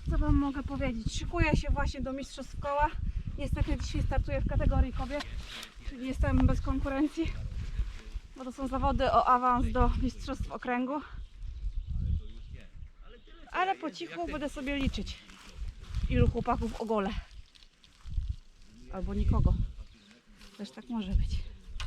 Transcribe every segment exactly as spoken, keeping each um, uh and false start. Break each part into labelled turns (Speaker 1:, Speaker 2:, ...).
Speaker 1: Co wam mogę powiedzieć? Szykuję się właśnie do mistrzostw koła. Niestety dzisiaj startuję w kategorii kobiet, czyli jestem bez konkurencji, bo to są zawody o awans do mistrzostw okręgu. Ale po cichu będę sobie liczyć, ilu chłopaków ogolę. Albo nikogo. Też tak może być.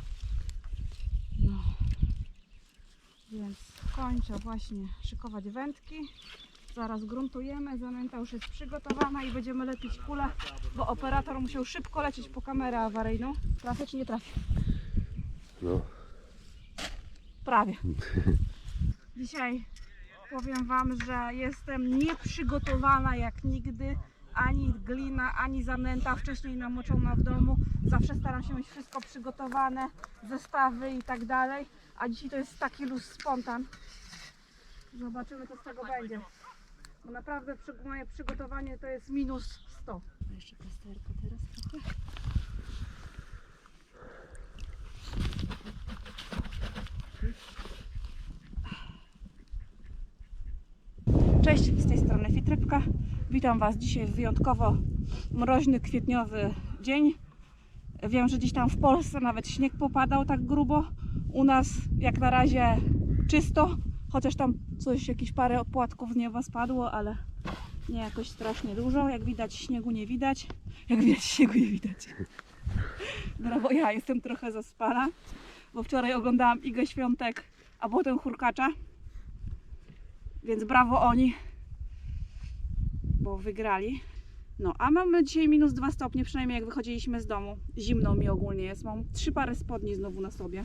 Speaker 1: No. Więc kończę właśnie szykować wędki. Zaraz gruntujemy, zanęta już jest przygotowana i będziemy lepić kulę, bo operator musiał szybko lecieć po kamerę awaryjną. Trafię czy nie trafię?
Speaker 2: No.
Speaker 1: Prawie. Dzisiaj powiem wam, że jestem nieprzygotowana jak nigdy. Ani glina, ani zanęta wcześniej namoczona w domu. Zawsze staram się mieć wszystko przygotowane, zestawy i tak dalej. A dzisiaj to jest taki luz spontan. Zobaczymy, co z tego będzie. Bo naprawdę przy, moje przygotowanie to jest minus sto. Jeszcze plasterka teraz trochę. Cześć, z tej strony Fitrybka. Witam was dzisiaj w wyjątkowo mroźny, kwietniowy dzień. Wiem, że gdzieś tam w Polsce nawet śnieg popadał tak grubo. U nas jak na razie czysto, chociaż tam coś, jakieś parę opłatków z nieba spadło, ale nie jakoś strasznie dużo. Jak widać, śniegu nie widać. Jak widać, śniegu nie widać. Brawo, ja jestem trochę zaspana, bo wczoraj oglądałam Igę Świątek, a potem Hurkacza. Więc brawo oni, bo wygrali. No, a mamy dzisiaj minus dwa stopnie, przynajmniej jak wychodziliśmy z domu. Zimno mi ogólnie jest. Mam trzy pary spodni znowu na sobie.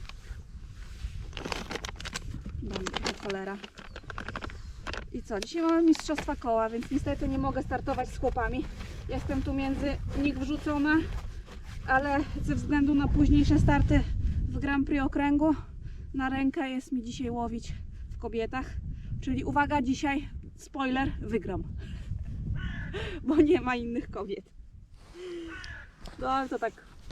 Speaker 1: Dam trochę cholera. I co? Dzisiaj mamy mistrzostwa koła, więc niestety nie mogę startować z chłopami. Jestem tu między nich wrzucona, ale ze względu na późniejsze starty w Grand Prix okręgu na rękę jest mi dzisiaj łowić w kobietach. Czyli uwaga, dzisiaj, spoiler, wygram. Bo nie ma innych kobiet. No ale to tak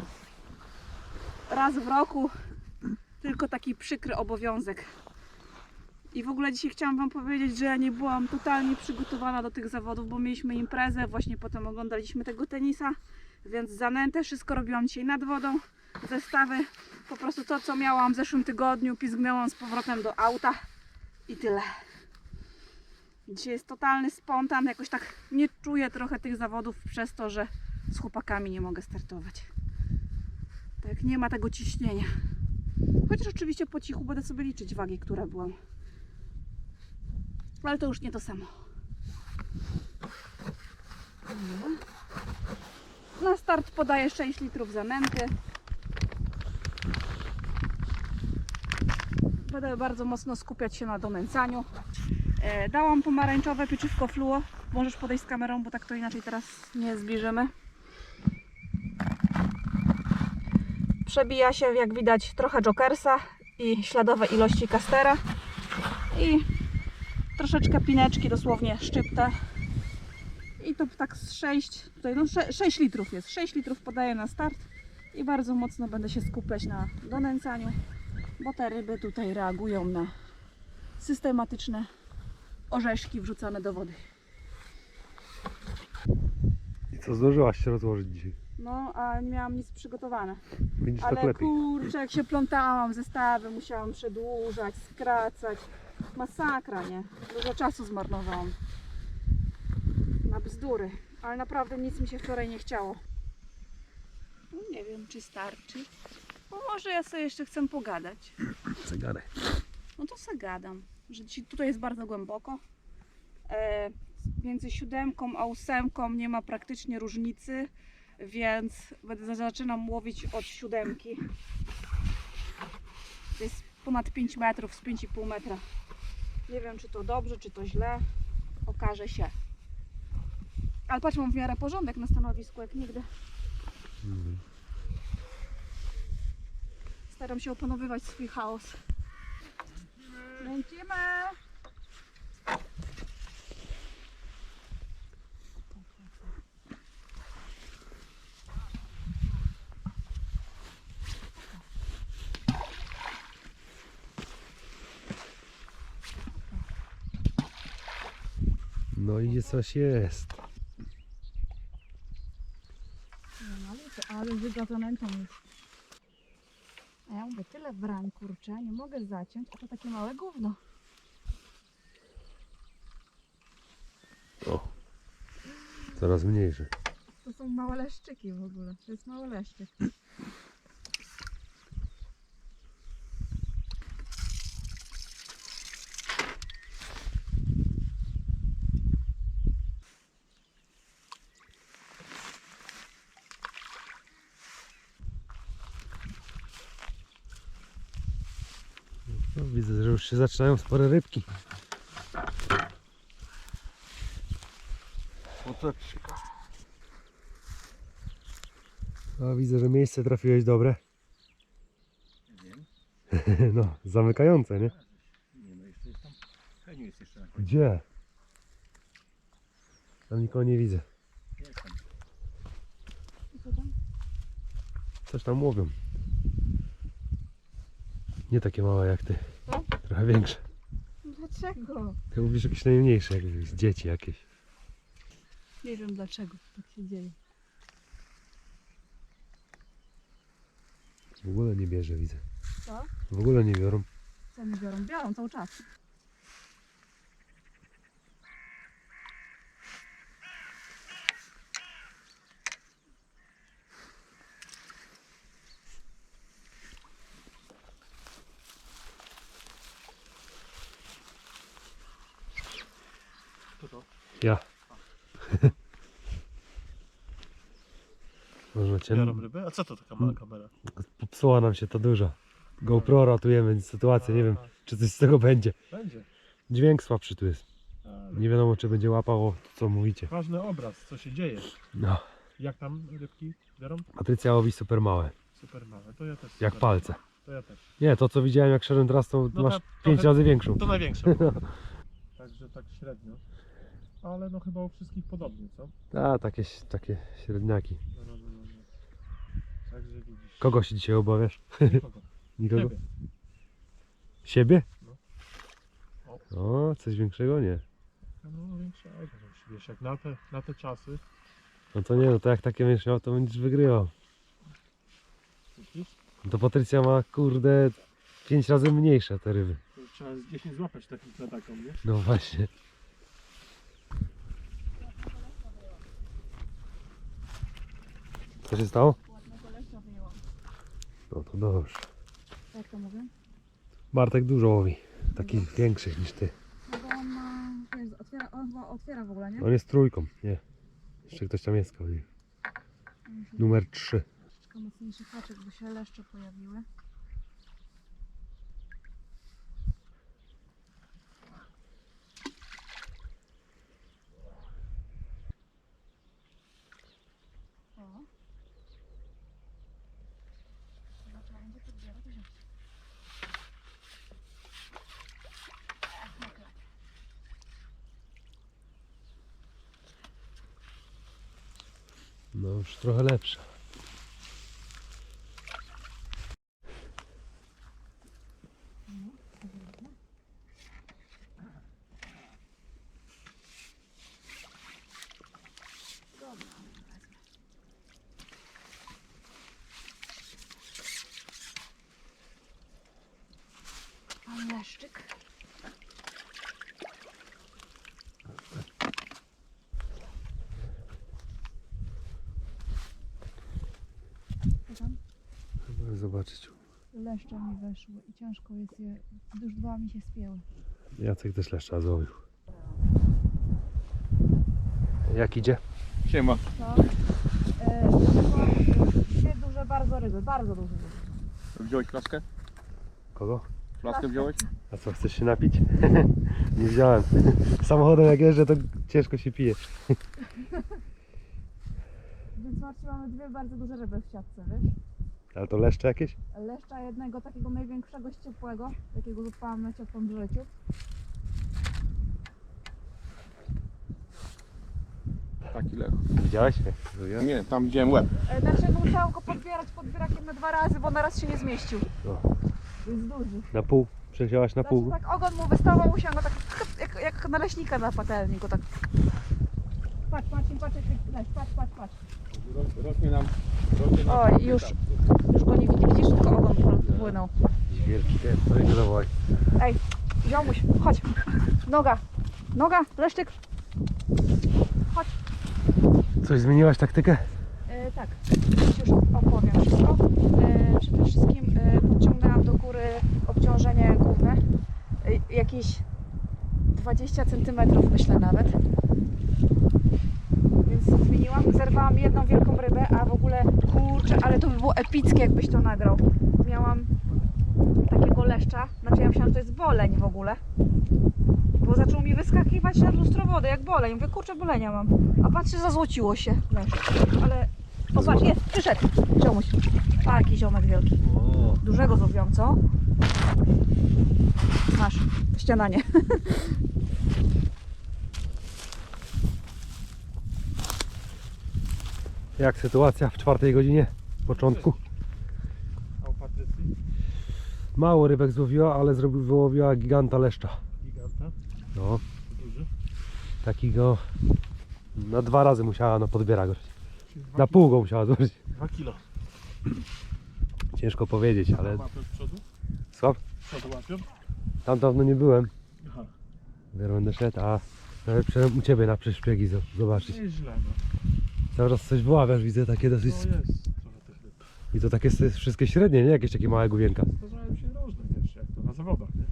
Speaker 1: raz w roku, tylko taki przykry obowiązek. I w ogóle dzisiaj chciałam wam powiedzieć, że ja nie byłam totalnie przygotowana do tych zawodów, bo mieliśmy imprezę, właśnie potem oglądaliśmy tego tenisa, więc zanętę, wszystko robiłam dzisiaj nad wodą, zestawy, po prostu to, co miałam w zeszłym tygodniu, pizgnęłam z powrotem do auta i tyle. Dzisiaj jest totalny spontan, jakoś tak nie czuję trochę tych zawodów przez to, że z chłopakami nie mogę startować. Tak, nie ma tego ciśnienia. Chociaż oczywiście po cichu będę sobie liczyć wagi, które byłam. Ale to już nie to samo. Na start podaję sześć litrów zanęty. Będę bardzo mocno skupiać się na donęcaniu. Dałam pomarańczowe pieczywko fluo. Możesz podejść z kamerą, bo tak to inaczej teraz nie zbliżymy. Przebija się, jak widać, trochę jokersa i śladowe ilości kastera. I troszeczkę pineczki, dosłownie szczyptę. I to tak z sześć, tutaj no sześć litrów jest. sześć litrów podaję na start. I bardzo mocno będę się skupiać na donęcaniu, bo te ryby tutaj reagują na systematyczne orzeszki wrzucane do wody.
Speaker 2: I co, zdążyłaś się rozłożyć dzisiaj?
Speaker 1: No, a nie miałam nic przygotowane.
Speaker 2: Widzisz,
Speaker 1: Ale
Speaker 2: tak lepiej.
Speaker 1: kurczę, jak się plątałam, zestawy musiałam przedłużać, skracać. Masakra, nie? Dużo czasu zmarnowałam na bzdury. Ale naprawdę nic mi się wczoraj nie chciało. No, nie wiem, czy starczy. Bo może ja sobie jeszcze chcę pogadać.
Speaker 2: Zegarek.
Speaker 1: No to se gadam, że dzisiaj tutaj jest bardzo głęboko. E, między siódemką a ósemką nie ma praktycznie różnicy, więc będę, zaczynam łowić od siódemki. To jest ponad pięć metrów, z pięć i pół metra. Nie wiem, czy to dobrze, czy to źle. Okaże się. Ale patrz, mam w miarę porządek na stanowisku, jak nigdy.
Speaker 2: Mhm.
Speaker 1: Staram się opanowywać swój chaos. Kręcimy!
Speaker 2: No i coś jest.
Speaker 1: No, ale, to, ale wygadzone to już. A ja mówię, tyle brań, kurczę, nie mogę zaciąć, a to takie małe gówno.
Speaker 2: O, coraz mniejsze.
Speaker 1: To są małe leszczyki w ogóle, to jest mały leszczyk.
Speaker 2: No, widzę, że już się zaczynają spore rybki. Poteczka. A widzę, że miejsce trafiłeś dobre.
Speaker 3: Nie wiem.
Speaker 2: No, zamykające, nie?
Speaker 3: Nie no, jeszcze jest tam. Heniu jest jeszcze na końcu.
Speaker 2: Gdzie? Tam nikogo nie widzę.
Speaker 3: Jest tam.
Speaker 1: I co tam?
Speaker 2: Coś tam łowią. Nie takie małe jak ty.
Speaker 1: Co?
Speaker 2: Trochę większe.
Speaker 1: Dlaczego?
Speaker 2: Ty mówisz jakieś najmniejsze, jakieś dzieci jakieś.
Speaker 1: Nie wiem dlaczego tak się dzieje.
Speaker 2: W ogóle nie bierze, widzę.
Speaker 1: Co?
Speaker 2: W ogóle nie biorą.
Speaker 1: Co mi biorą? Biorą cały czas.
Speaker 3: To to.
Speaker 2: Ja. Można cię...
Speaker 3: Biorą rybę? A co to taka mała kamera?
Speaker 2: Popsuła nam się ta duża. GoPro ratujemy sytuację, nie wiem czy coś z tego będzie.
Speaker 3: Będzie.
Speaker 2: Dźwięk słabszy tu jest.
Speaker 3: Ale
Speaker 2: Nie wiadomo czy będzie łapało to co mówicie.
Speaker 3: ważny obraz, co się dzieje.
Speaker 2: No.
Speaker 3: Jak tam rybki biorą?
Speaker 2: Patrycja łowi super małe.
Speaker 3: Super małe. To ja też.
Speaker 2: Jak
Speaker 3: super
Speaker 2: palce.
Speaker 3: małe. To ja też.
Speaker 2: Nie, to co widziałem jak szedłem teraz to
Speaker 3: No
Speaker 2: masz
Speaker 3: tak,
Speaker 2: pięć
Speaker 3: trochę-
Speaker 2: razy większą.
Speaker 3: To największe. Także tak średnio. Ale no chyba u wszystkich podobnie, co?
Speaker 2: A, takie, takie średniaki.
Speaker 3: No, no, no, no. no. Także widzisz.
Speaker 2: Kogo się dzisiaj obawiasz?
Speaker 3: Nikogo.
Speaker 2: Nikogo?
Speaker 3: Ciebie.
Speaker 2: Siebie?
Speaker 3: No.
Speaker 2: O, coś większego? Nie.
Speaker 3: No większego. Wiesz, jak na te, na te czasy.
Speaker 2: No to nie, no to jak takie będziesz miał, to będziesz wygrywał.
Speaker 3: Widzisz?
Speaker 2: No to Patrycja ma kurde pięć razy mniejsze te ryby.
Speaker 3: To trzeba z dziesięć złapać takich na taką, nie?
Speaker 2: No właśnie. Co się stało?
Speaker 1: Ładnego leszcza wyjęłam.
Speaker 2: No to dobrze.
Speaker 1: Jak to mówię?
Speaker 2: Bartek dużo łowi. Takich większych niż ty.
Speaker 1: No bo on ma, wiesz, otwiera, on chyba otwiera w ogóle, nie?
Speaker 2: On jest trójką, nie. Jeszcze ktoś tam jest koło niej. Numer trzy.
Speaker 1: Troszeczkę mocniejszy haczyk, by się leszcze pojawiły. O. Chyba trzeba będzie podbierać wziąć. Ach, naklep.
Speaker 2: No już trochę lepsza.
Speaker 1: Dobra, wezmę. Pan leszczyk. Co tam?
Speaker 2: Chcę zobaczyć.
Speaker 1: Leszcze mi weszły i ciężko jest je, już dwa mi się spięły.
Speaker 2: Jacek też leszcza złowił. Jak idzie?
Speaker 3: Siema.
Speaker 1: To e, dwie duże bardzo ryby, bardzo duże ryby.
Speaker 3: Wziąłeś flaskę?
Speaker 2: Kogo?
Speaker 3: Flaskę wziąłeś?
Speaker 2: A co, chcesz się napić? Nie wziąłem. Samochodem jak jeżdżę to ciężko się pije.
Speaker 1: Więc Marcin, mamy dwie bardzo duże ryby w siatce, wiesz?
Speaker 2: Ale to leszcze jakieś?
Speaker 1: Leszcza jednego takiego największego ciepłego, jakiego złapałam na ciepłym życiu.
Speaker 3: Taki lech.
Speaker 2: Widziałeś?
Speaker 3: Nie, tam widziałem łeb.
Speaker 1: E, Znaczy musiałam go podbierać podbierakiem na dwa razy, bo na raz się nie zmieścił.
Speaker 2: No.
Speaker 1: Jest duży.
Speaker 2: Na pół? Przesiałaś na
Speaker 1: Znaczy
Speaker 2: pół?
Speaker 1: tak ogon mu wystawał, musiałam go tak jak, jak naleśnika na patelniku, tak. Patrz, patrz, patrz, patrz, patrz, patrz, patrz.
Speaker 3: Rośnie nam, rośnie nam
Speaker 1: Oj, już, już go nie widzi, widzisz, tylko ogon płynął.
Speaker 2: Wielki pies, to nie zawołaj.
Speaker 1: Ej, ziomuś, chodź. Noga, noga, leszczyk. Chodź.
Speaker 2: Coś zmieniłaś taktykę?
Speaker 1: E, tak, już opowiem wszystko. E, przede wszystkim e, podciągnęłam do góry obciążenie główne. E, jakieś dwadzieścia centymetrów myślę nawet. Więc zmieniłam, zerwałam jedną wielką rybę, a w ogóle kurczę, ale to by było epickie, jakbyś to nagrał. Miałam takiego leszcza, znaczy ja myślałam, że to jest boleń w ogóle. Bo zaczął mi wyskakiwać na lustro wody, jak boleń. Mówię, kurczę, bolenia mam. A patrzę, zazłociło się leszcz. Ale, o patrz, jest, przyszedł. Ziomuś. Taki ziomek wielki.
Speaker 2: O,
Speaker 1: Dużego złowiłam, co? Masz, śniadanie.
Speaker 2: jak sytuacja w czwartej godzinie początku?
Speaker 3: A u Patrycji?
Speaker 2: Mało rybek złowiła, ale zrobił, wyłowiła giganta leszcza.
Speaker 3: Giganta?
Speaker 2: No,
Speaker 3: Duży?
Speaker 2: takiego na dwa razy musiała na podbiera go.
Speaker 3: Czyli dwa
Speaker 2: Na
Speaker 3: ki-
Speaker 2: pół go musiała złożyć.
Speaker 3: Dwa kilo.
Speaker 2: Ciężko powiedzieć, ale
Speaker 3: Łapią z przodu?
Speaker 2: słab.
Speaker 3: Z przodu łapią?
Speaker 2: Tam dawno nie byłem.
Speaker 3: Aha.
Speaker 2: Dopiero będę szedł, a nawet przyszedłem u Ciebie na przyszpiegi zo- zobaczyć.
Speaker 3: Nie jest źle, no.
Speaker 2: Cały czas coś wyławiasz, widzę takie
Speaker 3: No
Speaker 2: dosyć...
Speaker 3: jest trochę tych ryb.
Speaker 2: I to takie s- wszystkie średnie, nie? Jakieś takie małe główienka.
Speaker 3: Zdarzają się różne, wiesz, jak to na zawodach, nie?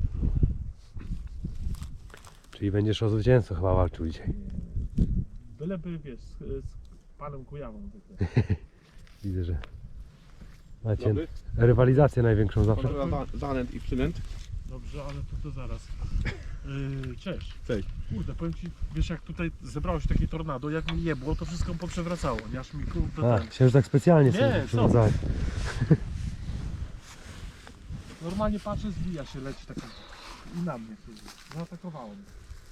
Speaker 2: Czyli będziesz o zwycięstwo chyba walczył dzisiaj.
Speaker 3: Byleby, wiesz, z, z panem Kujawą. zwykle.
Speaker 2: Widzę, że macie
Speaker 4: Dobry.
Speaker 2: rywalizację największą zawsze.
Speaker 4: Kontrola za- zanęt i przynęt.
Speaker 3: Dobrze, ale to, to zaraz. Yy, cześć.
Speaker 4: Cześć.
Speaker 3: Kurde, powiem ci, wiesz jak tutaj zebrało się takie tornado, jak mi jebło, to wszystko poprzewracało, nie? Aż mi kurde
Speaker 2: A,
Speaker 3: ten...
Speaker 2: myślałem, że tak specjalnie
Speaker 3: Nie,
Speaker 2: sobie
Speaker 3: co?
Speaker 2: przywiązałeś.
Speaker 3: Normalnie patrzę, zwija się, leci taki i na mnie siedzi. Zaatakowało mnie.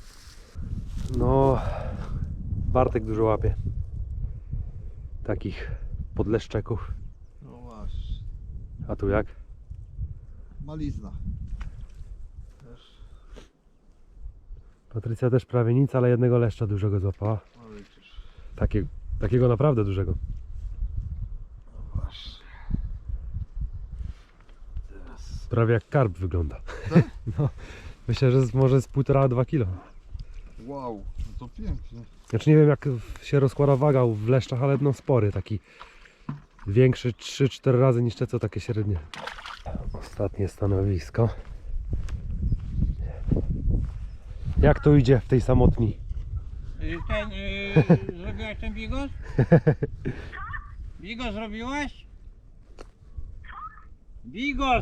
Speaker 2: No, Bartek dużo łapie. Takich podleszczeków.
Speaker 5: No właśnie,
Speaker 2: A tu jak?
Speaker 5: malizna. Też,
Speaker 2: Patrycja też prawie nic, ale jednego leszcza dużego złapała.
Speaker 5: no widzisz.
Speaker 2: Takie, takiego naprawdę dużego.
Speaker 5: No właśnie. Teraz.
Speaker 2: Prawie jak karp wygląda.
Speaker 5: Tak?
Speaker 2: No, myślę, że z, może z półtora, dwa kilo.
Speaker 5: Wow, no to pięknie.
Speaker 2: Znaczy nie wiem jak się rozkłada waga w leszczach, ale no spory, taki większy trzy cztery razy niż te co takie średnie. Ostatnie stanowisko. Jak to idzie w tej samotni?
Speaker 6: Y, Ten, y, zrobiłaś ten bigos? Bigos zrobiłaś? Bigos!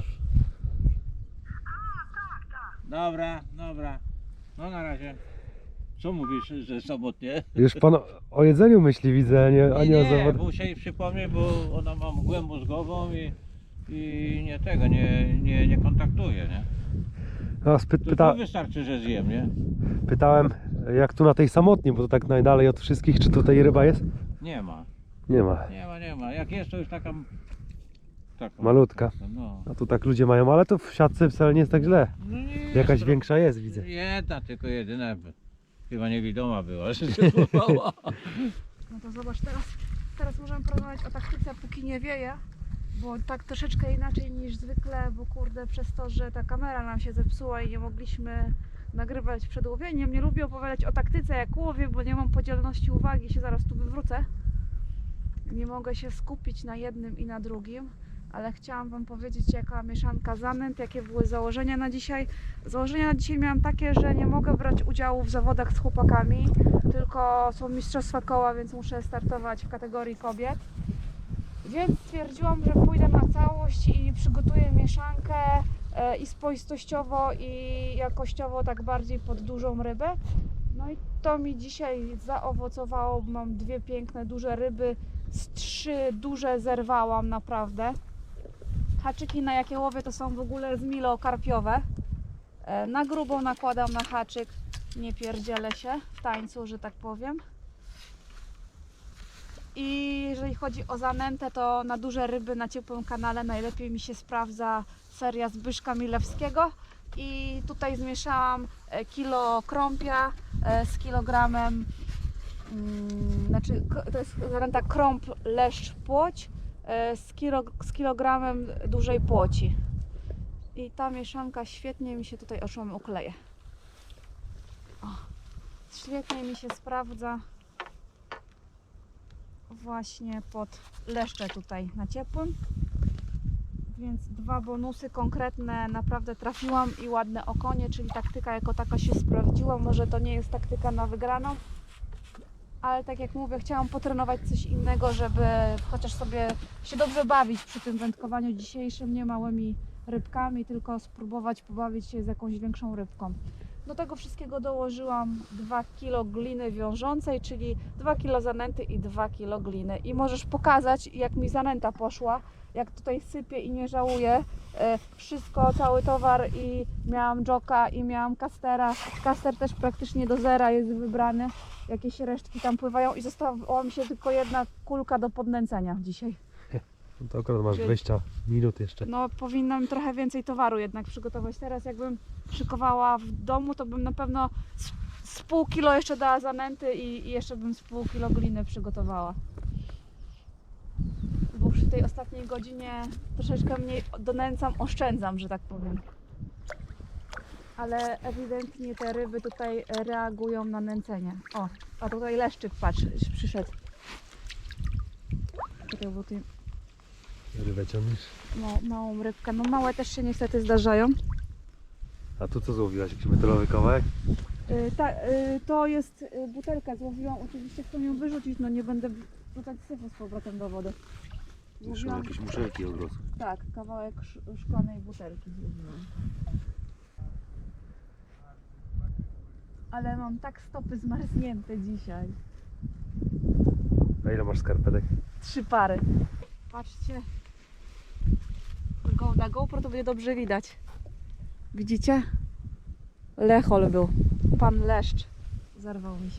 Speaker 6: Dobra, dobra. No na razie. Co mówisz, że sobotnie?
Speaker 2: Już pan o- o jedzeniu myśli widzę, a nie, a
Speaker 6: Nie,
Speaker 2: nie o
Speaker 6: nie,
Speaker 2: zawodach.
Speaker 6: muszę jej przypomnieć, bo ona ma mgłę mózgową i, i nie tego, nie, nie, nie kontaktuje, nie?
Speaker 2: No, spy,
Speaker 6: To,
Speaker 2: pyta,
Speaker 6: to wystarczy, że zjem, nie?
Speaker 2: pytałem jak tu na tej samotni, bo to tak najdalej od wszystkich, czy tutaj ryba jest?
Speaker 6: Nie ma,
Speaker 2: Nie ma.
Speaker 6: nie ma, nie ma. Jak jest, to już taka... taka
Speaker 2: Malutka.
Speaker 6: No.
Speaker 2: A tu tak ludzie mają, ale to w siatce wcale nie jest tak źle.
Speaker 6: No nie jest
Speaker 2: Jakaś
Speaker 6: tro-
Speaker 2: większa jest, widzę.
Speaker 6: Jedna, tylko jedyna. Chyba niewidoma była, że się złapała.
Speaker 1: No to zobacz, teraz, teraz możemy porozmawiać o taktyce, póki nie wieje, bo tak troszeczkę inaczej niż zwykle, bo kurde, przez to, że ta kamera nam się zepsuła i nie mogliśmy nagrywać przed łowieniem, nie lubię opowiadać o taktyce jak łowię, bo nie mam podzielności uwagi, się zaraz tu wywrócę. Nie mogę się skupić na jednym i na drugim, ale chciałam Wam powiedzieć, jaka mieszanka zanęt, jakie były założenia na dzisiaj. Założenia na dzisiaj miałam takie, że nie mogę brać udziału w zawodach z chłopakami, tylko są mistrzostwa koła, więc muszę startować w kategorii kobiet. Więc stwierdziłam, że pójdę na całość i przygotuję mieszankę e, i spoistościowo, i jakościowo tak bardziej pod dużą rybę. No i to mi dzisiaj zaowocowało. Mam dwie piękne, duże ryby. Z trzy duże zerwałam naprawdę. Haczyki, na jakie łowię, to są w ogóle zmilokarpiowe. E, Na grubą nakładam na haczyk. Nie pierdzielę się w tańcu, że tak powiem. I jeżeli chodzi o zanętę, to na duże ryby na ciepłym kanale najlepiej mi się sprawdza seria Zbyszka Milewskiego. i tutaj zmieszałam e, kilo krąpia e, z kilogramem, mm, znaczy k- to jest zanęta krąp, leszcz, płoć e, z, kilo, z kilogramem dużej płoci. I ta mieszanka świetnie mi się tutaj oczom ukleje. O, świetnie mi się sprawdza właśnie pod leszcze tutaj na ciepłym. Więc dwa bonusy konkretne naprawdę trafiłam i ładne okonie, czyli taktyka jako taka się sprawdziła. Może to nie jest taktyka na wygraną, ale tak jak mówię, chciałam potrenować coś innego, żeby chociaż sobie się dobrze bawić przy tym wędkowaniu dzisiejszym, nie małymi rybkami, tylko spróbować pobawić się z jakąś większą rybką. Do tego wszystkiego dołożyłam dwa kilo gliny wiążącej, czyli dwa kilo zanęty i dwa kilo gliny. I możesz pokazać, jak mi zanęta poszła, jak tutaj sypię i nie żałuję. E, wszystko, cały towar i miałam joka i miałam kastera. Kaster też praktycznie do zera jest wybrany. Jakieś resztki tam pływają i została mi się tylko jedna kulka do podnęcenia dzisiaj.
Speaker 2: No to akurat masz
Speaker 1: Czy-
Speaker 2: dwadzieścia minut jeszcze.
Speaker 1: No powinnam trochę więcej towaru jednak przygotować. Teraz jakbym szykowała w domu, to bym na pewno z, z pół kilo jeszcze dała zanęty i, i jeszcze bym z pół kilo gliny przygotowała. Bo przy tej ostatniej godzinie troszeczkę mniej donęcam, oszczędzam, że tak powiem. Ale ewidentnie te ryby tutaj reagują na nęcenie. O, a tutaj leszczyk, patrz, przyszedł. Czekaj, bo tu
Speaker 2: Rybę ciągniesz.
Speaker 1: no, małą rybkę. No małe też się niestety zdarzają.
Speaker 2: A tu co złowiłaś? Jakiś metalowy kawałek?
Speaker 1: Yy, ta, yy, to jest yy, butelka, złowiłam. Oczywiście chcę ją wyrzucić, no nie będę wrzucać syfu z powrotem do wody. Złowiłam,
Speaker 2: muszelki od razu.
Speaker 1: tak, kawałek sz- szklanej butelki złowiłam. Ale mam tak stopy zmarznięte dzisiaj.
Speaker 2: A ile masz skarpetek?
Speaker 1: Trzy pary. Patrzcie. Go, na GoPro to będzie dobrze widać. Widzicie? Lechol był. Pan leszcz. Zarwał mi się.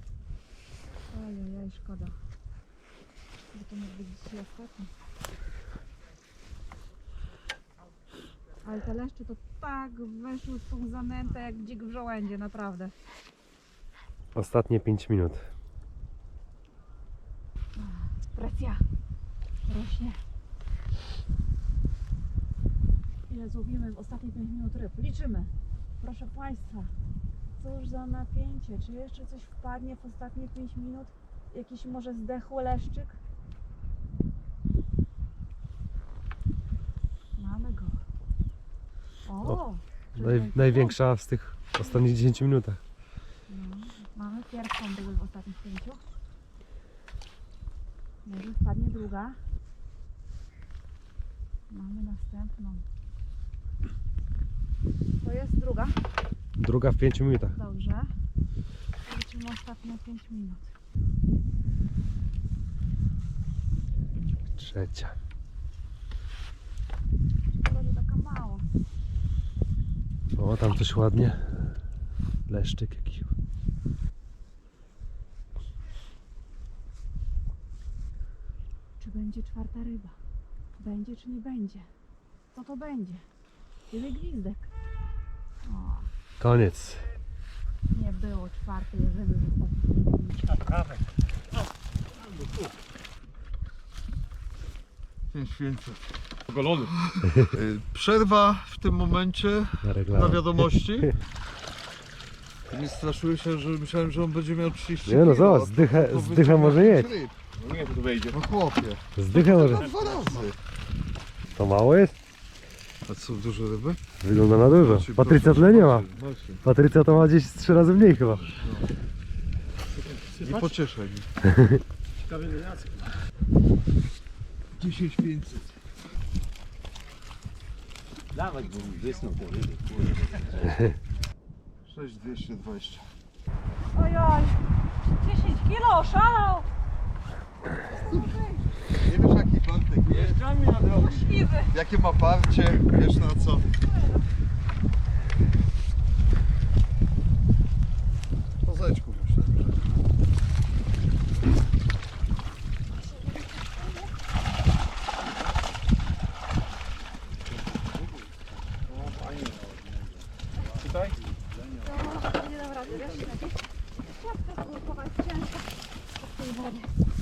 Speaker 1: Ojej, szkoda. Że to mógł być dzisiaj ostatni. Ale te leszcze to tak weszły w tą zanętę jak dzik w żołędzie, naprawdę.
Speaker 2: Ostatnie pięć minut.
Speaker 1: Presja rośnie. Ile złowimy w ostatnie pięć minut ryb? Liczymy. Proszę Państwa, cóż za napięcie. Czy jeszcze coś wpadnie w ostatnie pięć minut? Jakiś może zdechły leszczyk? Mamy go. O!
Speaker 2: O,
Speaker 1: czy
Speaker 2: Naj,
Speaker 1: będzie-
Speaker 2: największa z tych ostatnich dziesięciu minutach.
Speaker 1: No, mamy pierwszą rybę w ostatnich pięciu. Może wpadnie druga. Mamy następną. To jest druga.
Speaker 2: Druga w pięciu minutach.
Speaker 1: Dobrze. Liczymy ostatnie pięć minut.
Speaker 2: Trzecia.
Speaker 1: Szkoda, że taka mało.
Speaker 2: O, tam coś ładnie. Leszczyk jakiś.
Speaker 1: Czy będzie czwarta ryba? Będzie czy nie będzie? Co to będzie? Kiedy gwizdek? O,
Speaker 2: Koniec.
Speaker 1: nie było czwartej ryby w ostatnich minutach.
Speaker 5: pięć pięćset.
Speaker 3: Ogolony.
Speaker 5: Y, Przerwa w tym momencie
Speaker 2: Na
Speaker 5: na
Speaker 2: reklamę.
Speaker 5: wiadomości. Nie straszyłem się, że myślałem, że on będzie miał trzydzieści
Speaker 2: Nie no,
Speaker 5: kilo,
Speaker 2: zobacz,
Speaker 5: a
Speaker 2: zdychę,
Speaker 5: to
Speaker 2: zdychę
Speaker 5: wyciągnął
Speaker 2: może
Speaker 5: pięć
Speaker 2: mieć.
Speaker 5: ryb.
Speaker 3: No nie, to tu wejdzie.
Speaker 5: No chłopie,
Speaker 2: Zdychę może.
Speaker 5: to dwa razy.
Speaker 2: To mało jest?
Speaker 5: A co, duże ryby?
Speaker 2: Wygląda na dużo.
Speaker 5: Macie,
Speaker 2: Patrycja
Speaker 5: proszę,
Speaker 2: tyle nie ma.
Speaker 5: macie, macie.
Speaker 2: Patrycja to ma gdzieś z trzy razy mniej chyba.
Speaker 5: Nie pocieszaj mi.
Speaker 3: Ciekawy Jacek.
Speaker 5: dziesięć pięćset.
Speaker 6: Dawać, bo mi wysnął te ryby.
Speaker 5: sześć dwieście dwadzieścia.
Speaker 1: Ojoj, dziesięć kilo, szalał!
Speaker 5: Nie wiesz jaki Bartek jest?
Speaker 6: Jeżdżamy na drogę.
Speaker 1: Możliwy.
Speaker 5: Jakie ma parcie? Wiesz na co? Po zeczku myślę.
Speaker 1: tej wody.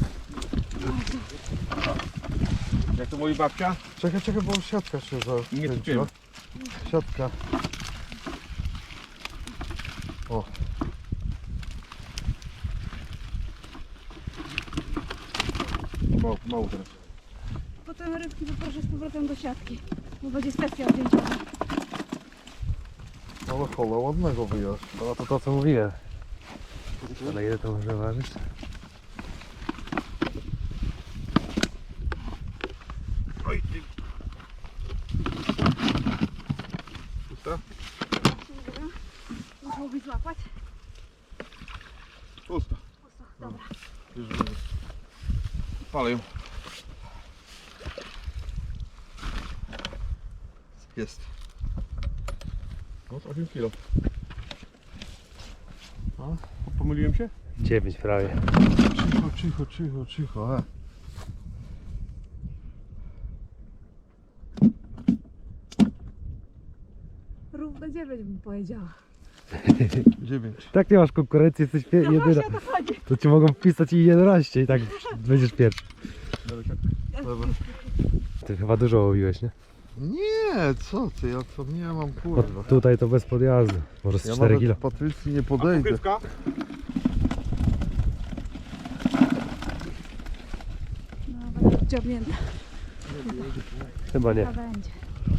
Speaker 3: Jak to mówi babcia?
Speaker 5: Czekaj, czekaj, bo siatka się
Speaker 3: Nie
Speaker 5: zakręciła. Siatka. O.
Speaker 3: Mało, mało teraz.
Speaker 1: Potem rybki poproszę z powrotem do siatki, bo będzie sesja zdjęciowa.
Speaker 5: Ale hola ładnego wyjaśnia.
Speaker 2: No to to co mówiłem. Ale ile to może ważyć?
Speaker 3: Oj, ty. Pusta?
Speaker 1: Dobra. Musiałbyś złapać.
Speaker 3: Pusta.
Speaker 1: Pusto, dobra.
Speaker 3: Palę ją.
Speaker 5: Jest.
Speaker 3: No, osiem kilo. A? Pomyliłem się?
Speaker 2: dziewięć prawie.
Speaker 5: Cicho, cicho, cicho, cicho. E.
Speaker 1: Równo dziewięć bym powiedziała.
Speaker 5: Dziewięć.
Speaker 2: Tak nie masz konkurencji, jesteś pie-
Speaker 1: No
Speaker 2: jedyna.
Speaker 1: właśnie o to chodzi.
Speaker 2: To ci mogą wpisać i jedenaście i tak będziesz pierwszy.
Speaker 5: Dobra.
Speaker 2: Ty chyba dużo łowiłeś, nie?
Speaker 5: Nie, co ty, ja to nie mam
Speaker 2: Bo
Speaker 5: kurwa.
Speaker 2: tutaj to bez podjazdu. Może z
Speaker 5: Ja
Speaker 2: cztery
Speaker 5: nawet
Speaker 2: kilo.
Speaker 5: Patrycji nie
Speaker 3: A
Speaker 5: podejdę.
Speaker 3: pokrywka?
Speaker 1: No, będę wciągnięta.
Speaker 2: Chyba nie.
Speaker 1: A będzie.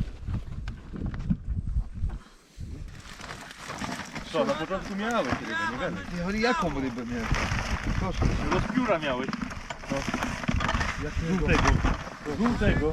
Speaker 3: Co, na początku miałeś rybę, nie wiem.
Speaker 5: Nie, ale jaką rybę miałem? Proszę.
Speaker 3: Rozpióra miałeś.
Speaker 5: Jakiego?
Speaker 3: Żółtego. Żółtego.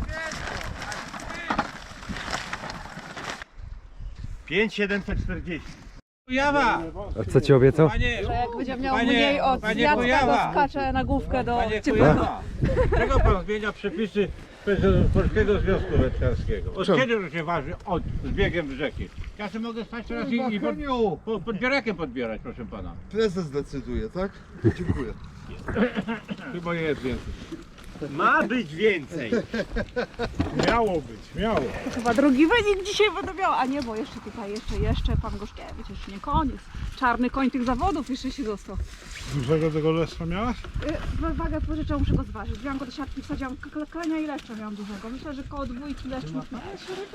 Speaker 3: pięć siedemset czterdzieści.
Speaker 6: Kujawa!
Speaker 2: A co ci obiecał?
Speaker 6: Panie,
Speaker 1: Że jak będzie miał
Speaker 6: Panie-
Speaker 1: mniej od
Speaker 6: panie
Speaker 1: Jacka, to
Speaker 6: Kujawa!
Speaker 1: skacze na główkę do
Speaker 6: Panie
Speaker 1: ciepłego.
Speaker 6: Kujawa! Czego pan zmienia przepisy Polskiego Związku Wędkarskiego? Od
Speaker 5: Czemu?
Speaker 6: kiedy to się waży? Od z biegiem rzeki. Ja sobie mogę stać teraz i, i pod,
Speaker 5: Kochaniu,
Speaker 6: pod, pod bierekiem podbierać, proszę pana.
Speaker 5: prezes decyduje, tak? Dziękuję.
Speaker 3: Chyba jest więcej.
Speaker 4: Ma być więcej.
Speaker 3: Miało być, miało.
Speaker 1: Chyba drugi wynik dzisiaj będę miała. A nie, bo jeszcze tutaj, jeszcze, jeszcze pan Gorzkiewicz, jeszcze nie koniec. Czarny koń tych zawodów jeszcze się został.
Speaker 3: Dużego tego leszcza miałaś?
Speaker 1: Yy, wagę pożyczę, muszę go zważyć. Wziąłam go do siatki, wsadziłam k- klenia i leszcza miałam dużego. Myślę, że koło dwójki leszcz mógł mieć.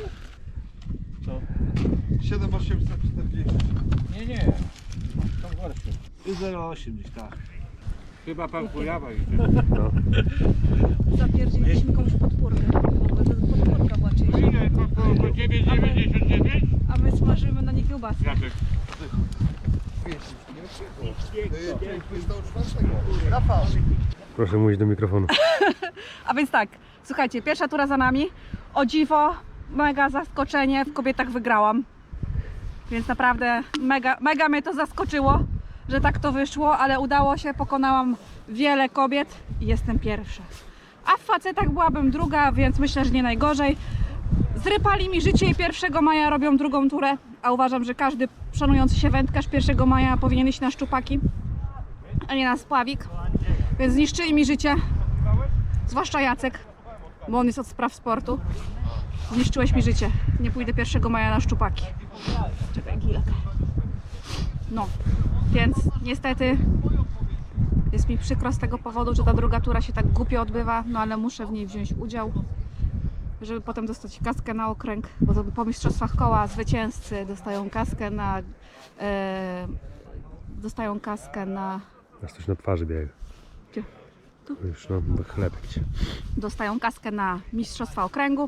Speaker 5: siedem osiemset czterdzieści.
Speaker 6: Nie, nie. Są gorsze.
Speaker 4: zero osiem gdzieś tak.
Speaker 6: Chyba pan Kujawa idzie.
Speaker 2: No.
Speaker 1: Zapierdzieliśmy komuś podpórkę. Bo to podpórka była czyjś.
Speaker 6: Ile? Po, po, po dziewięć dziewięćdziesiąt dziewięć?
Speaker 1: A my smażymy na nie kiełbasy.
Speaker 6: Jacek.
Speaker 5: Rafał.
Speaker 2: Proszę mówić do mikrofonu.
Speaker 1: A więc tak, słuchajcie, pierwsza tura za nami. O dziwo, mega zaskoczenie, w kobietach wygrałam. Więc naprawdę mega, mega mnie to zaskoczyło, że tak to wyszło, ale udało się, pokonałam wiele kobiet i jestem pierwsza. A w facetach byłabym druga, więc myślę, że nie najgorzej. Zrypali mi życie i pierwszego maja robią drugą turę, a uważam, że każdy szanujący się wędkarz pierwszego maja powinien iść na szczupaki, a nie na spławik. Więc zniszczyli mi życie, zwłaszcza Jacek, bo on jest od spraw sportu. Zniszczyłeś mi życie. Nie pójdę pierwszego maja na szczupaki. Czekaj, gilek. No, więc niestety jest mi przykro z tego powodu, że ta druga tura się tak głupio odbywa, no ale muszę w niej wziąć udział, żeby potem dostać kaskę na okręg, bo to po mistrzostwach koła zwycięzcy dostają kaskę na e, dostają kaskę na
Speaker 2: Masz coś na twarzy biega.
Speaker 1: Gdzie? Tu?
Speaker 2: Już no, do chlebek ci.
Speaker 1: dostają kaskę na mistrzostwa okręgu.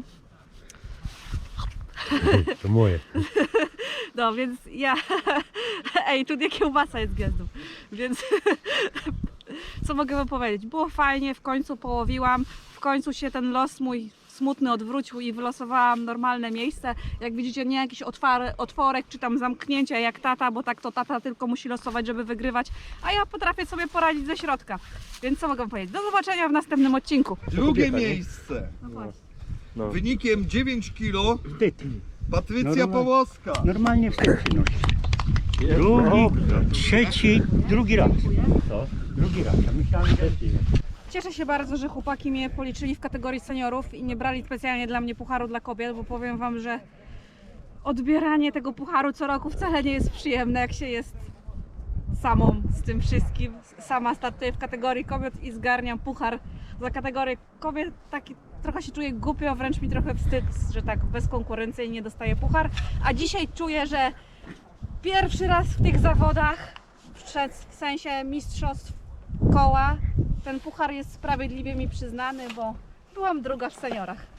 Speaker 2: To moje.
Speaker 1: No więc ja. Ej, tu nie kiełbasa jest gwiazdą. Więc co mogę wam powiedzieć? Było fajnie, w końcu połowiłam. W końcu się ten los mój smutny odwrócił i wylosowałam normalne miejsce. Jak widzicie, nie jakiś otwar, otworek czy tam zamknięcie jak tata, bo tak to tata tylko musi losować, żeby wygrywać. A ja potrafię sobie poradzić ze środka. Więc co mogę wam powiedzieć? Do zobaczenia w następnym odcinku.
Speaker 5: Drugie miejsce.
Speaker 1: No właśnie.
Speaker 2: No.
Speaker 5: Wynikiem dziewięć kilo.
Speaker 4: Wstyd.
Speaker 5: Patrycja
Speaker 4: Normalnie.
Speaker 5: Połoska.
Speaker 4: Normalnie wstyd przynosi. Drugi, trzeci, drugi raz. Co? Drugi raz. Ja myślałem, że
Speaker 1: Cieszę się bardzo, że chłopaki mnie policzyli w kategorii seniorów i nie brali specjalnie dla mnie pucharu dla kobiet, bo powiem wam, że odbieranie tego pucharu co roku wcale nie jest przyjemne, jak się jest samą z tym wszystkim. Sama startuję w kategorii kobiet i zgarniam puchar za kategorię kobiet. Taki trochę się czuję głupio, wręcz mi trochę wstyd, że tak bezkonkurencyjnie dostaję puchar. A dzisiaj czuję, że pierwszy raz w tych zawodach, w sensie mistrzostw koła, ten puchar jest sprawiedliwie mi przyznany, bo byłam druga w seniorach.